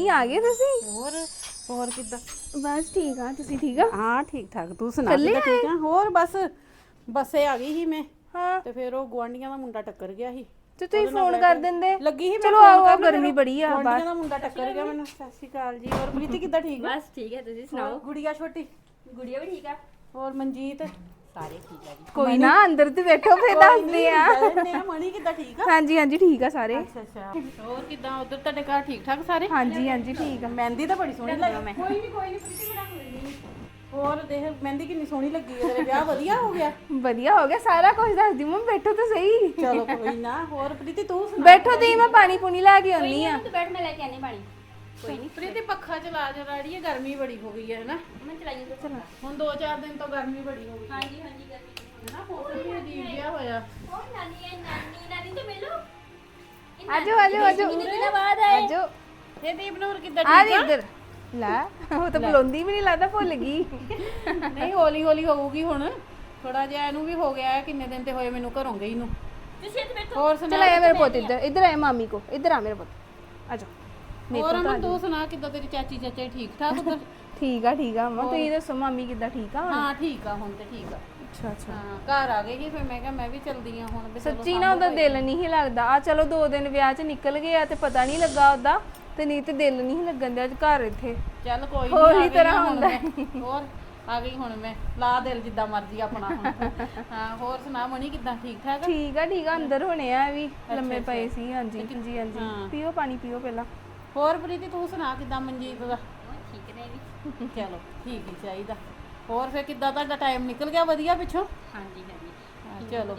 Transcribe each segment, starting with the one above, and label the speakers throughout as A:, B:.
A: Mummy ਆ ਗਏ ਤੁਸੀਂ?
B: ਹੋਰ ਕਿੱਦਾਂ?
A: ਬਸ ਠੀਕ ਆ, ਤੁਸੀਂ ਠੀਕ ਆ?
B: ਹਾਂ ਠੀਕ ਠਾਕ, ਤੂੰ ਸੁਣਾ ਕਿੱਦਾਂ? ਠੀਕ ਆ। ਹੋਰ ਬੱਸੇ ਆ ਗਈ ਸੀ ਮੈਂ,
A: ਹਾਂ
B: ਤੇ ਫਿਰ ਉਹ ਗੁਆਂਢੀਆਂ ਦਾ ਮੁੰਡਾ ਟੱਕਰ ਗਿਆ ਸੀ।
A: ਤੇ ਤੁਸੀਂ ਫੋਨ ਕਰ ਦਿੰਦੇ।
B: ਲੱਗੀ ਸੀ ਮੈਂ
A: ਚਲੋ ਆਓ ਆਓ, ਗਰਮੀ ਬੜੀ ਆ
B: ਗੁਆਂਢੀਆਂ ਦਾ ਮੁੰਡਾ ਟੱਕਰ ਗਿਆ ਮੈਨੂੰ। ਸਤਿ ਸ਼੍ਰੀ ਅਕਾਲ ਜੀ। ਹੋਰ ਪ੍ਰੀਤੀ ਕਿੱਦਾਂ? ਠੀਕ ਆ?
C: ਬਸ ਠੀਕ ਹੈ, ਤੁਸੀਂ ਸੁਣਾਓ?
B: ਗੁੜੀਆ ਛੋਟੀ?
C: ਗੁੜੀਆ ਵੀ ਠੀਕ ਆ?
B: ਹੋਰ ਮਨਜੀਤ?
C: ਸਾਰੇ ਠੀਕ ਆ ਜੀ।
A: ਕੋਈ ਨਾ, ਅੰਦਰ ਤੇ ਬੈਠੋ ਫੇਰ ਦੱਸਦੇ ਆ।
B: ਮਣੀ ਕਿੱਦਾਂ? ਠੀਕ ਆ?
A: ਹਾਂਜੀ ਹਾਂਜੀ ਠੀਕ ਆ ਸਾਰੇ।
B: ਅੱਛਾ ਹੋਰ ਕਿੱਦਾਂ ਉਧਰ ਤੁਹਾਡੇ ਘਰ ਠੀਕ ਠਾਕ ਸਾਰੇ?
A: ਹਾਂਜੀ ਹਾਂਜੀ ਠੀਕ ਆ।
B: ਮਹਿੰਦੀ ਤਾਂ ਬੜੀ ਸੋਹਣੀ ਲੱਗੀ। ਕੋਈ ਨਹੀਂ ਪ੍ਰੀਤੀ ਬਣਾ ਕੋਈ। ਹੋਰ ਦੇਖ ਮਹਿੰਦੀ ਕਿੰਨੀ ਸੋਹਣੀ ਲੱਗੀ ਹੈ। ਤੇਰੇ ਵਿਆਹ ਵਧੀਆ ਹੋ ਗਿਆ?
A: ਵਧੀਆ ਹੋ ਗਿਆ, ਸਾਰਾ ਕੁਝ ਦੱਸਦੀ ਮੰਮੀ। ਬੈਠੋ ਤਾਂ ਸਹੀ।
B: ਚਲੋ ਕੋਈ ਨਾ। ਹੋਰ ਪ੍ਰੀਤੀ ਤੂੰ ਸੁਣਾ?
A: ਬੈਠੋ ਤੁਸੀਂ, ਮੈਂ ਪਾਣੀ ਪੂਣੀ ਲੈ ਕੇ ਆਉਣੀ ਆ।
C: ਤੂੰ ਬੈਠ, ਮੈਂ ਲੈ ਕੇ ਆਨੀ ਪਾਣੀ। ਕੋਈ ਨਹੀਂ
B: ਪ੍ਰੀਤੀ ਪੱਖਾ ਚਲਾ ਜਰਾ, ਅੜੀਏ ਗਰਮੀ ਬੜੀ ਹੋ ਗਈ ਹੈ ਨਾ।
C: ਮੈਂ ਚਲਾਈ ਜਾਂਦਾ।
A: ਚਲੋ
B: ਹੁਣ 2-4 ਦਿਨ ਤੋਂ ਗਰਮੀ ਬੜੀ ਹੋ ਗਈ
C: ਹਾਂਜੀ ਹਾਂਜੀ ਕਰਨੀ
B: ਹੈ ਨਾ। ਮੌਸਮ ਵੀ ਅਜੀਬ ਜਿਹਾ ਹੋਇਆ।
C: ਉਹ ਨਾਨੀ ਤੋਂ ਮਿਲੋ।
A: ਆਜੋ ਆਜੋ ਆਜੋ
C: ਕਿੰਨੇ ਦਿਨਾਂ ਬਾਅਦ ਆਏ?
A: ਆਜੋ
B: ਇਹ ਦੀਪਨੂਰ ਕਿੱਦਾਂ?
A: ਆ
B: ਠੀਕ ਆ?
A: ਇੱਧਰ ਲੈ, ਉਹ ਤਾਂ ਬੁਲਾਉਂਦੀ ਵੀ ਨਹੀਂ, ਲੱਗਦਾ ਭੁੱਲ ਗਈ।
B: ਨਹੀਂ ਹੌਲੀ ਹੌਲੀ ਹੋਊਗੀ ਹੁਣ। ਥੋੜਾ ਜਿਹਾ ਇਹਨੂੰ ਵੀ ਹੋ ਗਿਆ। ਕਿੰਨੇ ਦਿਨ ਤੇ ਹੋਏ ਮੈਨੂੰ ਘਰੋਂ ਗਈ ਨੂੰ।
C: ਤੁਸੀਂ ਇੱਥੇ ਬੈਠੋ।
B: ਹੋਰ ਸੁਣਾ?
A: ਚਲ ਆਇਆ ਮੇਰੇ ਪੁੱਤ, ਇੱਧਰ ਇੱਧਰ ਆਇਆ ਮਾਮੀ ਕੋ। ਇੱਧਰ ਆ ਮੇਰੇ ਪੁੱਤ, ਆਜੋ।
B: ਹੋਰ ਅਮਨ ਤੂੰ ਸੁਣਾ ਕਿੱਦਾਂ? ਤੇਰੀ ਚਾਚੀ ਚਾਚੇ ਠੀਕ ਠਾਕ ਉਧਰ?
A: ਠੀਕ ਆ ਠੀਕ ਆ। ਮੰਮਾ ਤੁਸੀਂ ਦੱਸੋ, ਮਾਮੀ ਕਿੱਦਾਂ? ਠੀਕ ਆ?
B: ਹਾਂ ਠੀਕ ਆ ਹੁਣ ਤੇ ਠੀਕ ਆ।
A: ਅੱਛਾ ਅੱਛਾ।
B: ਹਾਂ ਘਰ ਆ ਗਈ ਸੀ ਫਿਰ ਮੈਂ ਕਿਹਾ ਮੈਂ ਵੀ ਚਲਦੀ ਆ ਹੁਣ। ਵੀ ਚਲੋ
A: ਸੱਚੀ ਨਾ ਉਹਦਾ ਦਿਲ ਨਹੀਂ ਸੀ ਲੱਗਦਾ। ਆ ਚਲੋ 2 ਦਿਨ ਵਿਆਹ 'ਚ ਨਿਕਲ ਗਏ ਆ ਤੇ ਪਤਾ ਨਹੀਂ ਲੱਗਾ ਉਹਦਾ, ਤੇ ਨਹੀਂ ਤੇ ਦਿਲ ਨਹੀਂ ਸੀ ਲੱਗਣ ਦਿਆ ਘਰ ਇੱਥੇ।
B: ਚੱਲ ਕੋਈ
A: ਹੋਰ
B: ਨਹੀਂ।
A: ਹੀ ਤਰ੍ਹਾਂ ਹੁੰਦਾ।
B: ਹੋਰ ਆ ਗਈ ਹੁਣ ਮੈਂ। ਲਾ ਦਿਲ ਜਿੱਦਾਂ ਮਰਜ਼ੀ ਆਪਣਾ ਹੁਣ। ਹਾਂ ਹੋਰ ਸੁਣਾ ਮਣੀ ਕਿੱਦਾਂ? ਠੀਕ ਠਾਕ?
A: ਠੀਕ ਆ ਠੀਕ ਆ। ਅੰਦਰ ਹੋਣੇ ਆ ਵੀ, ਲੰਮੇ ਪਏ ਸੀ। ਹਾਂਜੀ ਹਾਂਜੀ ਹਾਂਜੀ। ਪੀਓ ਪਾਣੀ ਪੀਓ ਪਹਿਲਾਂ।
B: ਹੋਰ ਪ੍ਰੀਤੀ ਤੂੰ ਸੁਣਾ ਕਿੱਦਾਂ? ਮਨਜੀਤ ਦਾ?
C: ਠੀਕ ਨੇ ਵੀ।
B: ਚਲੋ ਠੀਕ ਹੀ ਚਾਹੀਦਾ। ਹੋਰ ਫਿਰ ਕਿੱਦਾਂ ਤੁਹਾਡਾ ਟਾਈਮ ਨਿਕਲ ਗਿਆ? ਵਧੀਆ ਪਿੱਛੋਂ?
C: ਹਾਂਜੀ ਹਾਂਜੀ।
B: ਚਲੋ